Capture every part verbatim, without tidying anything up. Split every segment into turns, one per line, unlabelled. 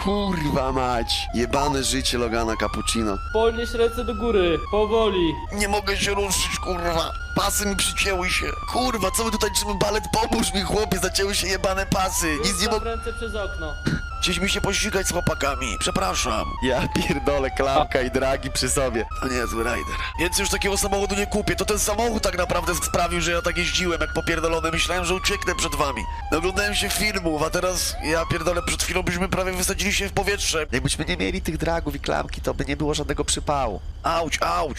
Kurwa mać. Jebane życie Logana Cappuccino.
Podnieś ręce do góry, powoli.
Nie mogę się ruszyć, kurwa. Pasy mi przycięły się. Kurwa, co my tutaj trzymy balet? Pomóż mi, chłopie, zacięły się jebane pasy. Nic nie
Zostaw
mogę...
ręce przez okno.
Chcieliśmy się pościgać z chłopakami. Przepraszam. Ja pierdolę, klamka i dragi przy sobie. To niezły rider. Więc już takiego samochodu nie kupię. To ten samochód tak naprawdę sprawił, że ja tak jeździłem jak popierdolony. Myślałem, że ucieknę przed wami. Oglądałem się filmów, a teraz ja pierdolę, przed chwilą byśmy prawie wysadzili się w powietrze. Jakbyśmy nie mieli tych dragów i klamki, to by nie było żadnego przypału. Auć, auć.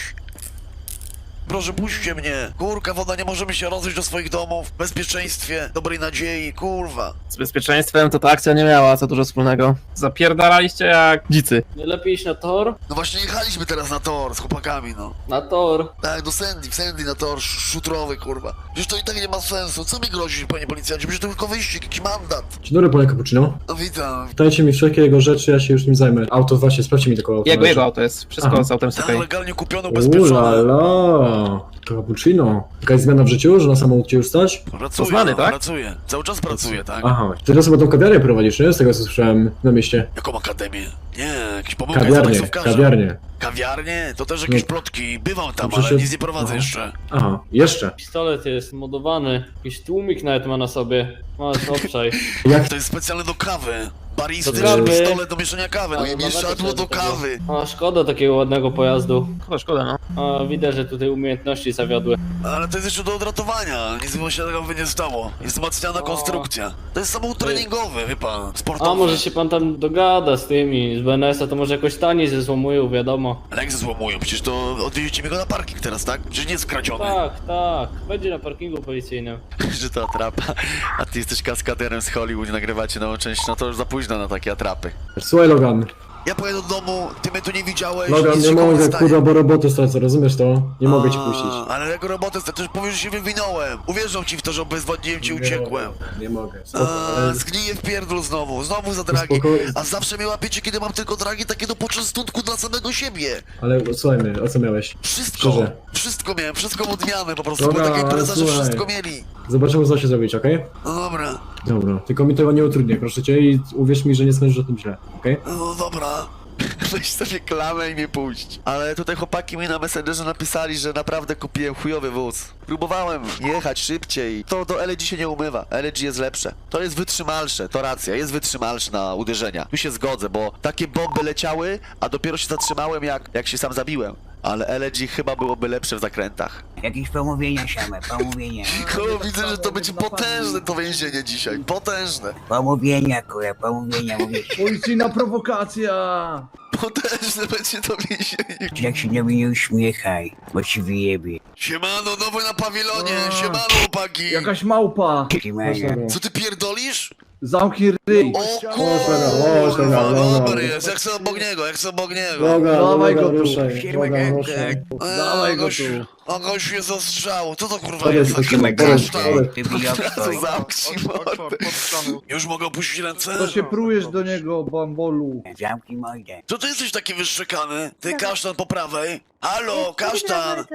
Proszę, puśćcie mnie. Kurka, woda, nie możemy się rozejść do swoich domów. W bezpieczeństwie, dobrej nadziei, kurwa.
Z bezpieczeństwem to ta akcja nie miała za dużo wspólnego. Zapierdalaliście jak dzicy.
Nie lepiej iść na tor?
No właśnie jechaliśmy teraz na tor z chłopakami, no.
Na tor.
Tak, do Sandy, w Sandy na tor sz- szutrowy, kurwa. Przecież to i tak nie ma sensu. Co mi grozi, panie policjancie? Przecież to tylko wyścig, jakiś mandat.
Dzień dobry, panie Cappuccino.
No witam.
Dajcie mi wszelkie jego rzeczy, ja się już nim zajmę. Auto, właśnie, sprawdźcie mi tylko auto.
Jego, jego auto jest. Wszystko
Aha.
z autem jest
Tak,
okej.
legalnie kupione,
Ula
ubezpieczone.
la, Cappuccino. Jakaś zmiana w życiu, że na samochodzie już stać?
Pracuję,
Poznany,
no,
tak?
pracuję. Cały czas pracuję, tak?
Aha, ty teraz chyba tą kawiarnię prowadzisz, nie? Z tego co słyszałem na mieście.
Jaką akademię? Nie, jakiś pomyłka jest
Kawiarnię,
taksówkarza.
kawiarnię.
Kawiarnię? To też jakieś
No.
plotki. Bywam tam,
No
ale
przecież-
nic nie prowadzę
Aha.
jeszcze.
Aha, jeszcze.
Pistolet jest modowany. Jakiś tłumik nawet ma na sobie. Masz, obszaj.
Jak
To jest specjalne do kawy. Baristyczny
Do kawy.
pistolet do mieszania kawy. No
Ale
i
nawet
mieszadło do
tego.
kawy.
A, szkoda takiego ładnego pojazdu.
Szkoda, szkoda, no.
A, widać, że tutaj umiejętności zawiodły.
Ale to jest jeszcze do odratowania. Nic mu się tego nie stało. Jest wzmacniana
O.
konstrukcja. To jest samochód treningowy, wie pan. Sportowy.
A, może się pan tam dogada z tymi, z B N S-a, to może jakoś taniej ze złomują, wiadomo.
Ale jak ze złomują? Przecież to odwieziecie mi go na parking teraz, tak? Przecież nie jest skradziony.
Tak, tak. Będzie na parkingu policyjnym.
Że to atrapa. A ty jesteś kaskaderem z Hollywood, nagrywacie nową część, no to już za późno na takie atrapy.
Słuchaj, Logan.
Ja pojedę do domu, ty mnie tu nie widziałeś,
Logan,
nic
nie
się komuś
mogę,
stanie.
kurwa, bo roboty stracę, rozumiesz to? Nie mogę cię
A,
puścić.
Ale jako robotę, to już powiesz, że się wywinąłem. Uwierzą ci w to, że obezwładniłem cię,
Nie
uciekłem.
mogę, Nie mogę. Spoko,
A,
ale-
zgniję w pierdol znowu, znowu za dragi.
Spoko-
A zawsze mnie łapiecie, kiedy mam tylko dragi takie do poczęstunku dla samego siebie.
Ale słuchaj mnie, o co miałeś?
Wszystko,
Szczerze.
wszystko miałem, wszystko od odmiany po prostu.
Dobra,
Była taka impreza, że
słuchaj.
wszystko mieli.
Zobaczymy, co się zrobić, okej?
No dobra,
Dobra, tylko mi tego nie utrudnię, proszę cię, i uwierz mi, że nie sądzisz o tym źle, okej?
no dobra. Weź sobie klamę i mnie puść. Ale tutaj chłopaki mi na Messengerze napisali, że naprawdę kupiłem chujowy wóz. Próbowałem jechać szybciej. To do L G się nie umywa. L G jest lepsze. To jest wytrzymalsze, to racja, jest wytrzymalsze na uderzenia. Tu się zgodzę, bo takie bomby leciały, a dopiero się zatrzymałem jak, jak się sam zabiłem. Ale L G chyba byłoby lepsze w zakrętach.
Jakieś pomówienia same, pomówienia.
Ko, widzę, że to będzie potężne to więzienie dzisiaj. Potężne.
Pomówienia, kurwa, pomówienia, mówię ci.
Policyjna prowokacja!
Potężne będzie to więzienie.
Jak się do mnie nie uśmiechaj, bo ci wyjebie.
Siemano, nowy na pawilonie.
A.
Siemano, chłopaki.
Jakaś małpa!
Trzymania.
Co ty pierdolisz?
Zamknij ryj!
O
Logan,
kurwa,
Logan.
dobry jest, jak chcę obok niego, jak chcę obok niego.
Logan,
Dawaj
Logan,
go tu.
ruszaj, Logan, ruszaj.
Eee,
Dawaj go
gość-
tu.
A gość się zastrzał, co to kurwa
Podejdź,
jest?
podejdź,
Taki
podejdź,
kasztan.
podejdź.
Ty wyjobstoj.
Zamknij mordę. Już mogę opuścić ręce?
To się prujesz do niego, bambolu!
Zamknij mordę.
Co ty jesteś taki wyszczekany? Ty kasztan po prawej? Halo, kasztan!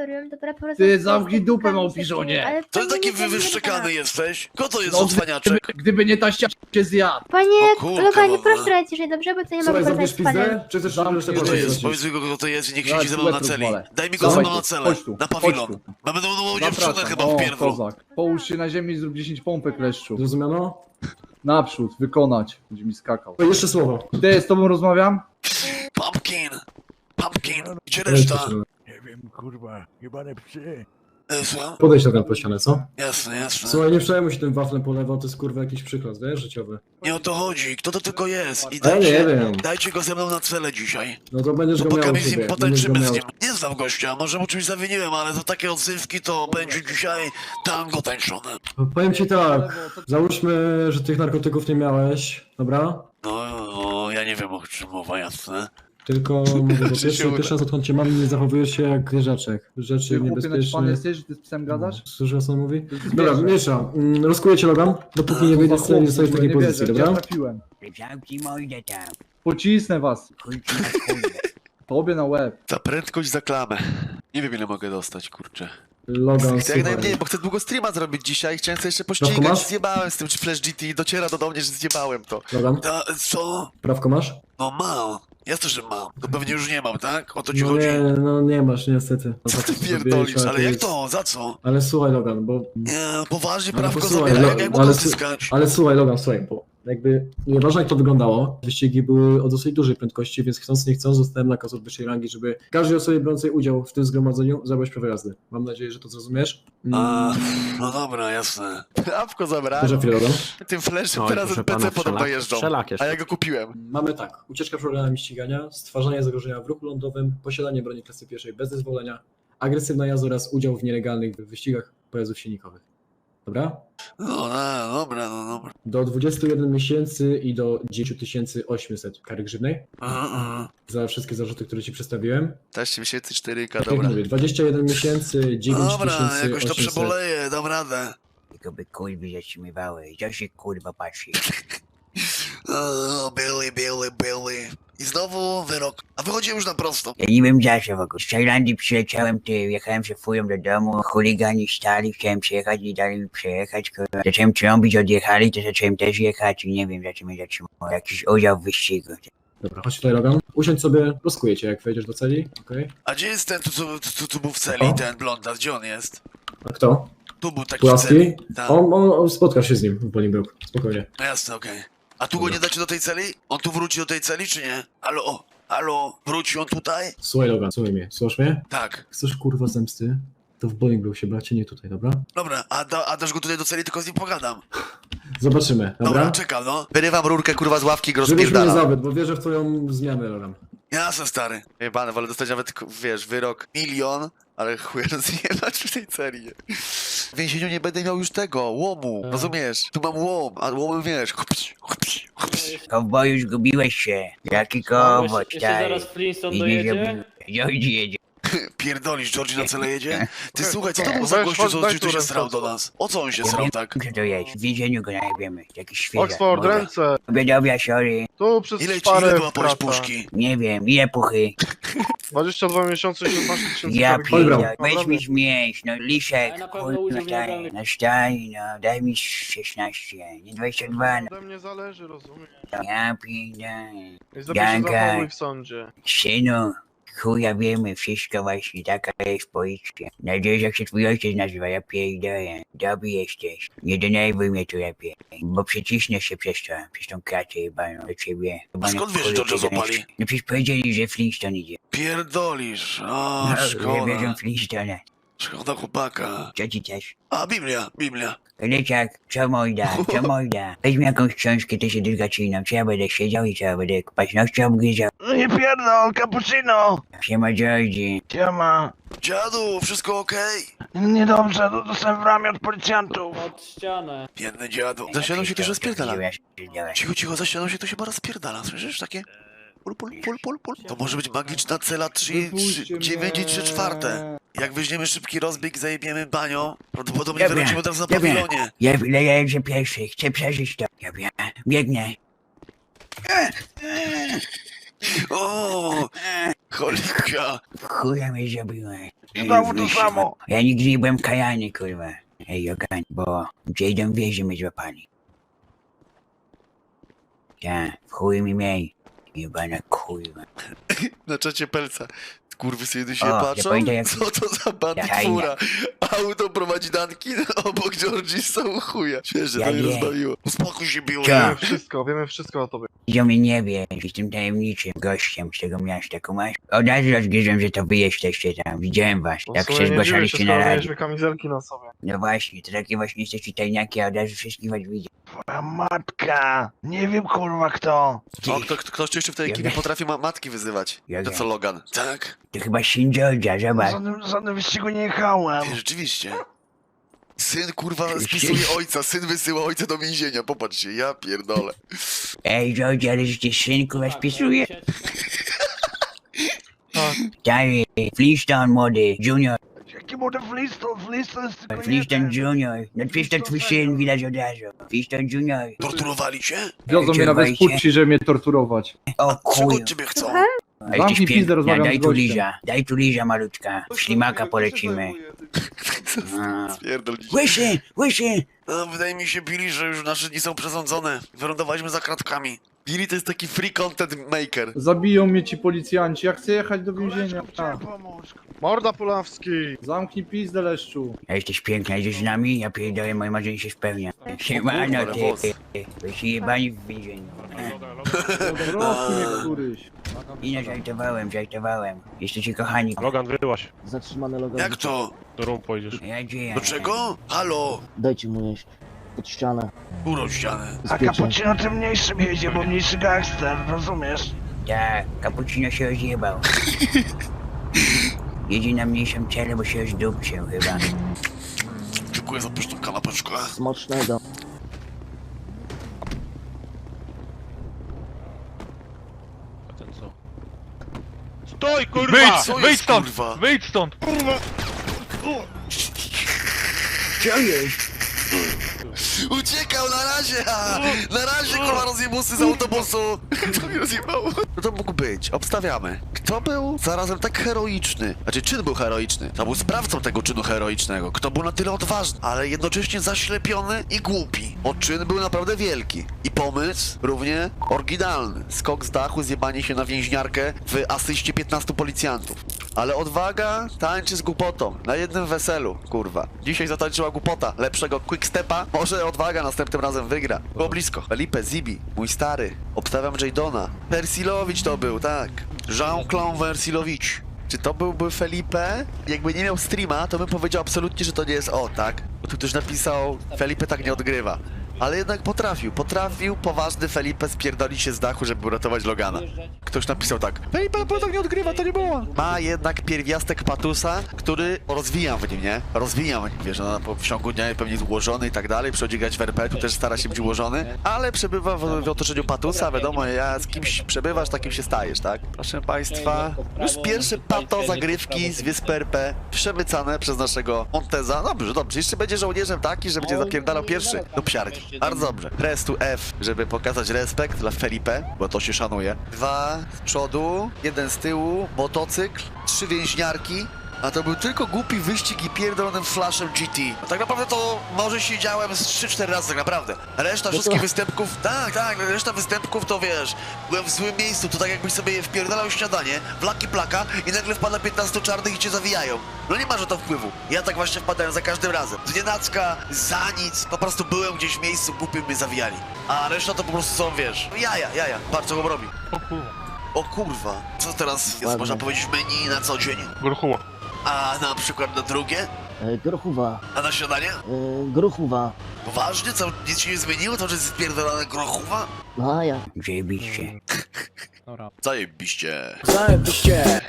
Ty zamknij dupę, małpiszonie.
Co ty taki wy wyszczekany jesteś? Kto to jest
No,
za cwaniaczek?
gdyby, gdyby nie ta ściana cię zjadł!
Panie
O kurka
Loganie,
wodna.
proszę radź ciszej, dobrze? Bo to nie
Słuchaj,
mogę
zrobisz
porozmawiać z panem.
pizdę? Czy chcesz
Zamknij
resztę
Kto to
ryj.
jest?
powiedzieć?
Powiedz mi go, kto to jest i niech
Zaraz
siedzi ze mną na
łeb
celi.
rozwalę.
Daj mi go ze
Dawaj
mną na
tu,
celę.
chodź tu,
Na
chodź
pawilon.
tu.
Mamy nową dziewczynę
Zapraszam.
chyba w
O,
pierdlu.
kozak. Połóż się na ziemi i zrób dziesięć pompek, leszczu.
Zrozumiano?
Naprzód, wykonać. Będzie mi skakał.
O, jeszcze słowo.
Ty, z tobą rozmawiam?
Pumpkin! Pumpkin! Gdzie reszta?
Nie wiem, kurwa, jebane psy.
E, Słucham?
Podejdź Logan po ścianę, co?
Jasne, jasne.
Słuchaj, nie przejmuj się tym waflem po lewo, to jest kurwa jakiś przykład, wiesz, życiowy.
Nie o to chodzi. Kto to tylko jest? I
Ja nie
dajcie,
wiem.
dajcie go ze mną na celę dzisiaj.
No to będziesz go miał
Chłopakami
u
z nim
siebie, będziesz go
potańczymy z
miał.
nim. Nie znam gościa, może mu czymś zawiniłem, ale to takie odzywki to będzie dzisiaj tango tańczone.
Powiem ci tak, załóżmy, że tych narkotyków nie miałeś, dobra?
No, no ja nie wiem o czym mowa, jasne.
Tylko mówię, bo
Że się
pierwszy,
uda.
pierwszy raz odkąd cię mam, nie zachowujesz się jak zwierzaczek. Rzeczy
Ty, chłopie, naćpany
niebezpieczne.
jesteś, że ty z psem gadasz?
Słyszysz, co on mówi?
jest
Dobra,
zwierzę.
miesza. Mm, Rozkuję cię Logan, dopóki nie wyjdziesz z tej- nie stoisz w takiej
nie
pozycji,
wierzę,
dobra?
ja trafiłem.
Zamknij mordę tam.
Pocisnę was.
Chuj ci na kurwę.
Tobie na łeb.
Za prędkość za klamę. Nie wiem ile mogę dostać, kurczę.
Logan,
Jak
słuchaj.
najmniej, bo chcę długo streama zrobić dzisiaj, chciałem sobie jeszcze
Prawko
pościgać,
masz?
zjebałem z tym Flash G T, dociera do mnie, że zjebałem to.
Logan,
Ta, co?
prawko masz?
No mam, jasne, że mam. To pewnie już nie mam, tak? O to ci
No
chodzi?
nie, no nie masz niestety. No
Co
tak
ty
to
pierdolisz,
zrobiłeś,
ale jak
jest-
to? Za co?
Ale słuchaj Logan, bo...
Nie, poważnie
Ale
prawko
posłuchaj,
zabiera,
no,
jak, jak
ale
mogę
sy-
zyskać?
Ale słuchaj Logan, słuchaj, bo jakby nieważne jak to wyglądało, wyścigi były o dosyć dużej prędkości, więc chcąc nie chcąc zostałem nakaz od wyższej rangi, żeby każdej osobie biorącej udział w tym zgromadzeniu zabrać prawo jazdy. Mam nadzieję, że to zrozumiesz.
A, no dobra, jasne. Prawko zabrałem.
Proszę chwilę, Logan.
Tym flashem
Oj,
teraz
proszę
N P C
pana,
podobno
wszelak-
jeżdżą.
wszelak
A
jeszcze.
ja go kupiłem.
Mamy tak, ucieczka przed organami ścigania, stwarzanie zagrożenia w ruchu lądowym, posiadanie broni klasy pierwszej bez zezwolenia, agresywna jazda oraz udział w nielegalnych wyścigach pojazdów silnikowych. Dobra?
No, no dobra, no dobra.
Do dwudziestu jeden miesięcy i do dziesięć tysięcy osiemset kary grzywnej
Aha, aha.
za wszystkie zarzuty, które ci przedstawiłem.
Też miesięcy cztery K,
Tak jak
dobra.
mówię, dwadzieścia jeden miesięcy, dziewięć
Dobra,
tysięcy
jakoś to
osiemset.
przeboleję, dam radę.
Tylko by kurwy zatrzymywały. Co się kurwa patrzy?
O, Billy, Billy, Billy. I znowu wyrok. A wychodzi już na prosto.
Ja nie wiem za co w ogóle. Z Tajlandii przyleciałem, ty, jechałem się fują do domu, chuligani stali, chciałem przejechać, nie dali mi przejechać, kurwa. Zacząłem trąbić, odjechali, to zacząłem też jechać i nie wiem, za co mnie zatrzymało. Jakiś udział w wyścigu.
Dobra, chodź tutaj Logan. Usiądź sobie, rozkuję cię jak wejdziesz do celi, okej?
A gdzie jest ten, tu, tu, tu, tu był w celi,
O.
ten blonda, gdzie on jest?
A kto?
Tu był taki w
Płaski?
celi. Tak.
On, on, on spotkasz się z nim w Bolingbrook, spokojnie.
No jasne, okej. A tu go nie dacie do tej celi? On tu wróci do tej celi, czy nie? Halo, halo, wróci on tutaj?
Słuchaj Logan, słuchaj mnie, słuchasz mnie?
Tak.
Chcesz kurwa zemsty? To w Bolingbrook się bracie, nie tutaj, dobra?
Dobra, a, da, a dasz go tutaj do celi, tylko z nim pogadam.
Zobaczymy,
Dobra,
dobra?
czekam, no. Wyrywam rurkę, kurwa, z ławki i go
Żebyś mnie nie
rozpierdalam.
zawiódł, bo wierzę w twoją zmianę, Logan.
Jasne, stary. Jebane, wolę dostać nawet, wiesz, wyrok milion, ale chuj rozjebać w tej celi. W więzieniu nie będę miał już tego, łomu,
Tak.
rozumiesz? Tu mam łom, a łomem wiesz, chupś, chupś, chupś.
Kowboju, zgubiłeś się. Jaki
No,
kowboj,
jeszcze, jeszcze
stary.
zaraz Flintstone
I nie
dojedzie.
zrobiłeś. Georgie jedzie.
Pierdolisz, Georgie na cele jedzie? Ty słuchaj, co to był
Weź,
za gościu,
chodź,
co
daj
ci tu
tu
się
ręce,
srał do
Oxford.
nas? O co on się
Ja
srał
wiem,
tak?
że to jest. W więzieniu go najwiemy. Jakiś świeżak.
Oxford,
Mordo.
ręce!
Obiadowia, sorry.
Tu przez
Ile ci,
szparę
ile była płaść
wkracza.
puszki?
Nie wiem, ile puchy.
dwadzieścia dwa miesiące i szesnaście tysięcy
Ja
kary
Dobra.
pierdolę. Weź
Naprawdę.
mi zmieść, no liszek,
Ale na pewno
kurwa,
udział w
daj,
nielegalnych-
no staj, no daj mi szesnaście, nie dwadzieścia dwa, no
Ode mnie zależy, rozumiem.
ja pierdolę.
I lepiej się
Janka.
zachowuj w sądzie.
Synu, chuja wiemy, wszystko właśnie, taka jest policja. Nadzieję, jak się twój ojciec nazywa, ja pierdolę. Dobry jesteś, nie denerwuj mnie tu lepiej, bo przyciśnę się przez to, przez tą kratę jebaną do ciebie.
A skąd wiesz, że George'a złapali?
No przecież powiedzieli, że Flintstone idzie.
Pierdolisz, o,
No, że
szkoda.
wierzą Flintstone.
Szkoda chłopaka.
Co ci też?
A, Biblia, Biblia.
Leciak, co mojda, co mojda. Weź mi jakąś książkę, to się dylgaciną. Czy ja będę siedział i co ja będę paznokcie obgryzał?
No nie pierdol, cappuccino!
Siema Georgie.
Siema.
Dziadu, wszystko okej?
Niedobrze, do- dostałem w ramię od policjantów.
Pod ścianę.
Biedny dziadu. Za ścianą się też rozpierdala.
rozpierdala.
Cicho, cicho, za ścianą się to chyba rozpierdala, słyszysz? Takie... Pul, pul, pul, pul, pul. To może być magiczna cela trzy, trzy, dziewięć i trzy czwarte. Jak weźmiemy szybki rozbieg i zajebiemy banią, prawdopodobnie
Ja wiem,
wrócimy teraz na
ja wiem.
pawilonie.
Ja leję pierwszy, chcę przeżyć to. Ja wiem, biegnę.
O, cholika.
Chuja mnie zrobiłem.
Znowu to samo.
Ja nigdy nie byłem kajany, kurwa. Ej, Jogan, bo gdzie idą wieży mnie złapali. Ja, w chuj mi miej. Jebana kurwa.
Na czacie Pelca. Kurwy sobie tu się
O, ja
patrzą?
pamiętam, jak-
Co to za bandytura? Auto prowadzi danki, obok Georgie są chuja. Świeże,
Ja
to mnie
nie.
rozbawiło. Uspokój się, biło.
Co?
Wiemy wszystko, wiemy wszystko o tobie.
Idą mnie nie wie, jestem tajemniczym gościem z tego miasta, kumasz? Od razu rozgryzłem, że to wy jesteście tam, widziałem was,
No,
jak
w sumie
się
nie dziwię się,
zgłaszaliście na
skoro
radzie.
mieliśmy kamizelki na sobie.
No właśnie, to takie właśnie jesteście tajniaki, a od razu wszystkich was widzę.
Twoja matka. Nie wiem kurwa kto.
O, kto, kto, ktoś tu jeszcze w tej
Ja
ekipie
wiem.
potrafi ma matki wyzywać.
Ja
To
wiem.
co, Logan? Tak?
To chyba syn George'a, zobacz.
Żadnym, żadnym wyścigu nie jechałem.
Ej, rzeczywiście. Syn kurwa spisuje ojca, syn wysyła ojca do więzienia, popatrzcie, ja pierdolę.
Ej, George, ale że cię syn kurwa spisuje? Stary, Flintstone młody, Junior,
Jaki młody Flintstone? Flintstone jest tylko
Flintstone
jeden.
Junior. No przecież to twój syn widać od razu. Flintstone Junior.
Torturowali cię?
Wiozą mnie nawet z
Czerwajcie.
Pucci, żeby mnie torturować.
O
Czego
chuj.
od ciebie chcą?
A
Zamknij
jesteś
pizdę,
piękna,
rozmawiam
daj
z
tu
gościem.
liża, daj tu liża malutka. W ślimaka polecimy. A.
Spierdol dziś.
Łysy, łysy!
No, wydaje mi się, Billy, że już nasze dni są przesądzone. Wylądowaliśmy za kratkami. Billy to jest taki free content maker.
Zabiją mnie ci policjanci, ja chcę jechać do więzienia.
Chciałem pomóc.
Morda Pulawski!
Zamknij pizdę, leszczu.
A jesteś piękna, idziesz z nami? Ja pierdolę, moje marzenie się spełnia. Siemano
kurwa,
ty,
włos.
byś jebani w więzieniu.
Roku mnie któryś.
I nie żartowałem, żartowałem. Jesteście kochani.
Logan, wyłaś.
Zatrzymany Logan.
Jak to?
Do rum pojedziesz.
Ja dzieję.
Do czego? Halo?
Dajcie mu jeść. Pod ścianę.
Kurą ścianę.
A
Bezpiecznie.
Cappuccino tym mniejszym jedzie, bo mniejszy gangster, rozumiesz?
Tak, kapucino się rozjebał. Jedzie na mniejszym ciele, bo się rozdupcił chyba.
Dziękuję za pyszną kanapeczkę.
Smacznego.
A ten co? Stój, kurwa!
Wyjdź, co jest, kurwa?
Wyjdź stąd!
Co jest?
Uciekał na razie! ha! Na razie, kurwa, rozjebusy z autobusu! To mnie rozjebało. No to mógł być. Obstawiamy. Kto był zarazem tak heroiczny? Znaczy, czyn był heroiczny. To był sprawcą tego czynu heroicznego. Kto był na tyle odważny, ale jednocześnie zaślepiony i głupi. Bo czyn był naprawdę wielki. I pomysł równie oryginalny. Skok z dachu, zjebanie się na więźniarkę w asyście piętnastu policjantów. Ale odwaga tańczy z głupotą. Na jednym weselu, kurwa. Dzisiaj zatańczyła głupota. Lepszego quickstepa. Może odwaga następnym razem wygra. Było blisko. Felipe, Zibi, mój stary. Obstawiam Jadona. Persilowicz to był, tak. Jean-Claude Persilowicz. Czy to byłby Felipe? Jakby nie miał streama, to bym powiedział absolutnie, że to nie jest o, tak? Bo tu ktoś napisał, Felipe tak nie odgrywa. Ale jednak potrafił, potrafił poważny Felipe spierdolić się z dachu, żeby uratować Logana. Ktoś napisał tak, Felipe bo tak nie odgrywa, to nie było. Ma jednak pierwiastek patusa, który rozwijam w nim, nie? Rozwijam w nim, wiesz, no, po w ciągu dnia pewnie jest ułożony i tak dalej, przychodzi grać w R P, tu też stara się być ułożony, ale przebywa w, w otoczeniu patusa, wiadomo, ja z kimś przebywasz, takim się stajesz, tak? Proszę państwa, już pierwsze pato zagrywki z wyspy R P przemycane przez naszego Monteza. Dobrze, dobrze, jeszcze będzie żołnierzem taki, że będzie zapierdalał pierwszy do psiarki. Bardzo dobrze. Restu F, żeby pokazać respekt dla Felipe, bo to się szanuje. Dwa z przodu, jeden z tyłu, motocykl, trzy więźniarki. A to był tylko głupi wyścig i pierdolonym flashem G T. No tak naprawdę to może siedziałem z trzy cztery razy tak naprawdę. Reszta wszystkich występków, tak, tak, reszta występków to wiesz, byłem w złym miejscu, to tak jakbyś sobie wpierdalał śniadanie, flaki plaka i nagle wpada piętnastu czarnych i cię zawijają. No nie ma, że to wpływu. Ja tak właśnie wpadałem za każdym razem. Z nienacka, za nic, po prostu byłem gdzieś w miejscu, głupim mnie zawijali. A reszta to po prostu są, wiesz, jaja, jaja, patrz co go robi.
O kurwa.
O kurwa, co teraz jest,
Ładnie.
można powiedzieć, w menu na co dzień?
Gruchuła.
A na przykład na drugie?
E, grochuwa.
A na śniadanie?
E, grochuwa.
Poważnie? Co, nic się nie zmieniło? To, że jest spierdolone grochuwa?
No a ja.
Zajebiście.
Zajebiście.
Zajebiście.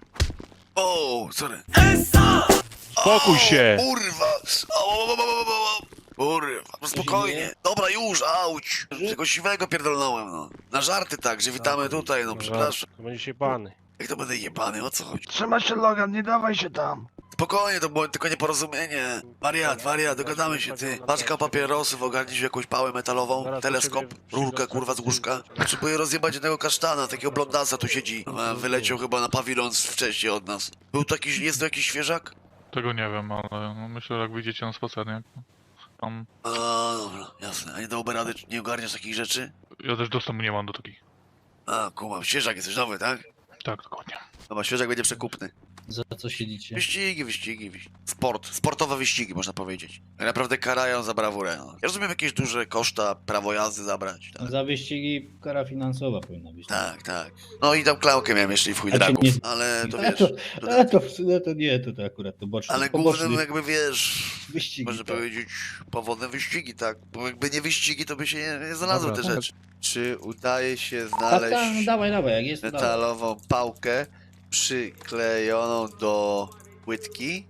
O, sorry.
Spokój się!
O, kurwa. O, o, o, o, o, o. Kurwa, no spokojnie. Dobra, już, auć. Tego siwego pierdolnąłem, no. Na żarty tak, że witamy tutaj, no przepraszam.
To będziesz jebany.
Jak to będę jebany, o co chodzi?
Trzymaj się, Logan, nie dawaj się tam.
Spokojnie, to było tylko nieporozumienie. Wariat, wariat, dogadamy się, ty. Paczka papierosów, ogarnij się jakąś pałę metalową, teleskop, rurkę, kurwa, z łóżka. Potrzebuję rozjebać jednego kasztana, takiego blondasa tu siedzi. A, wyleciał chyba na pawilon wcześniej od nas. Był taki, jest to jakiś świeżak?
Tego nie wiem, ale no myślę, że jak wyjdziecie na spacer, nie? Tam...
A, dobra, jasne. A nie dałoby rady, nie ogarniasz takich rzeczy?
Ja też dostępu nie mam do takich.
A, kumam, świeżak jesteś nowy, tak?
Tak, dokładnie.
Dobra, świeżak będzie przekupny.
Za co siedzicie?
Wyścigi, wyścigi, wyścigi. Sport, sportowe wyścigi, można powiedzieć. Tak naprawdę karają za brawurę. No. Ja rozumiem jakieś duże koszta, prawo jazdy zabrać. Tak,
Za wyścigi kara finansowa powinna być.
tak. tak. No i tam klaukę miałem jeszcze i w chuj
A cię
dragów,
nie-
ale to
A
wiesz...
to,
to-
a to, no to nie, to, to akurat to boczny.
Ale
poboczny
głównym jakby wiesz...
wyścigi.
Można
tak.
powiedzieć powodem wyścigi, tak? Bo jakby nie wyścigi, to by się nie, nie znalazły
Dobra,
te
tak.
rzeczy. Czy udaje się
Tak, tak, no
znaleźć
dawaj, dawaj, jak jest to dawaj.
metalową pałkę przyklejoną do płytki?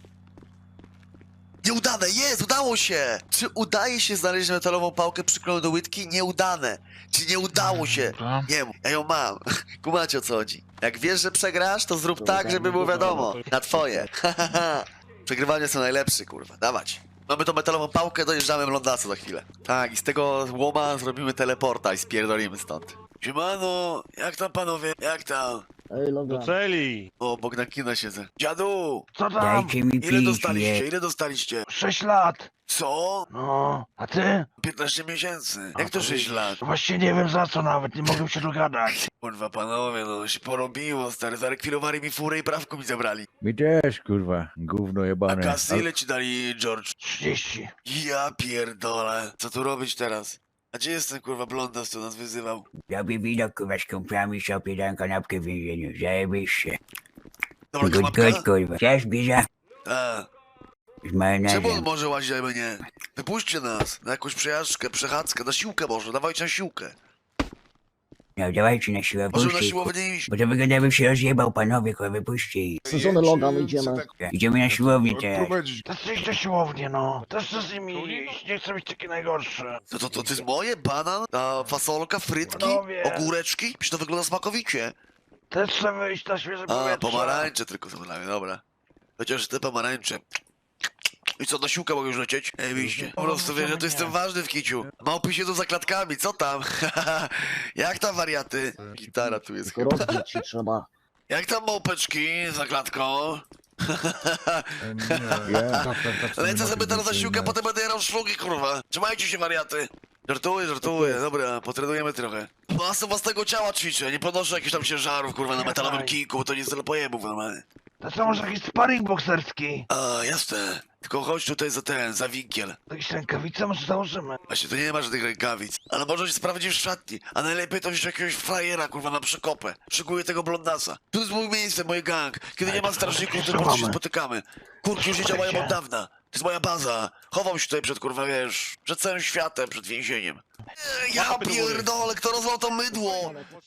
Nieudane! Jest! Udało się! Czy udaje się znaleźć metalową pałkę przyklejoną do łydki? Nieudane! Czy nie udało się?
Dobra.
Nie mów, ja ją mam. Kumacie o co chodzi. Jak wiesz, że przegrasz, to zrób tak, żeby było wiadomo. Na twoje. Przegrywanie są najlepsze, kurwa. Dawać. Mamy tą metalową pałkę, dojeżdżamy w Londasu za chwilę. Tak, i z tego łoma zrobimy teleporta i spierdolimy stąd. Siemano, jak tam panowie? Jak tam?
Ej,
Do
Logan.
celi!
O, obok na kina siedzę. Dziadu!
Co tam?
Dajcie mi
Ile
pić,
dostaliście?
nie.
Ile dostaliście?
Sześć lat.
Co?
No, a ty?
piętnaście miesięcy. Jak to sześć lat?
Właśnie nie wiem za co nawet, nie mogę się dogadać.
Kurwa panowie, no się porobiło, stary. Zarekwirowali mi furę i prawko mi zabrali.
Mi też, kurwa, gówno
A
jebane.
kasy ile ci dali, George?
trzydzieści.
Ja pierdolę. Co tu robić teraz? A gdzie jest ten kurwa blondas, co nas wyzywał?
Robię widok, kurwa, z kumplami sobie dam kanapkę w więzieniu. Zajebiście.
Dobra,
Good,
kanapka?
good, kurwa. Chcesz bierza?
A,
Z
czemu on
majonezem.
może łazić, a my nie? Wypuśćcie nas na jakąś przejażdżkę, przechadzkę, na siłkę może, dawajcie na siłkę.
No, dawajcie na siłę,
Może na
puśćcie.
siłownię iść.
Bo to wygląda, jakby się rozjebał, panowie, kurwa, wypuśćcie ich.
Sezony Logan, idziemy.
Idziemy na siłownię teraz.
To idź do siłowni, no. Też chcę z nimi iść, nie chcę być taki najgorszy.
No to, to, to jest moje? Banan? Ta fasolka, frytki,
Panowie.
ogóreczki? Przecież to wygląda smakowicie.
Też chcę wyjść na świeże
A,
powietrze.
pomarańcze tylko są dla mnie, dobra. Chociaż te pomarańcze. I co, na siłkę mogę już lecieć? Oczywiście. Po prostu wiesz, że to jestem ważny w kiciu. Małpy siedzą za klatkami, co tam? Jak tam wariaty? Gitara tu jest
Tylko
chyba.
rozbić ci trzeba.
Jak tam małpeczki za klatką? Lecę sobie teraz na siłkę, potem będę jarał szlugi, kurwa. Trzymajcie się, wariaty. Żartuję, żartuję, dobra, potrenujemy trochę. Masę własnego ciała ćwiczę, nie podnoszę jakichś tam ciężarów, kurwa, na metalowym kijku, bo to nie jest tyle pojebów normalnie.
To co, może jakiś sparring bokserski?
A, jasne. Tylko chodź tutaj za ten, za winkiel.
Jakieś rękawice może założymy?
Właśnie, tu nie ma żadnych rękawic. Ale może się sprawdzić w szatni. A najlepiej to wziąć jakiegoś frajera, kurwa, na przekopę. Szykuję tego blondasa. Tu jest mój miejsce, mój gang. Kiedy nie ma strażników, to po prostu się spotykamy. Kurki już nie działają od dawna. To jest moja baza. Chowam się tutaj przed, kurwa, wiesz, przed całym światem, przed więzieniem. Eee, Ja pierdolę, kto rozlał to mydło?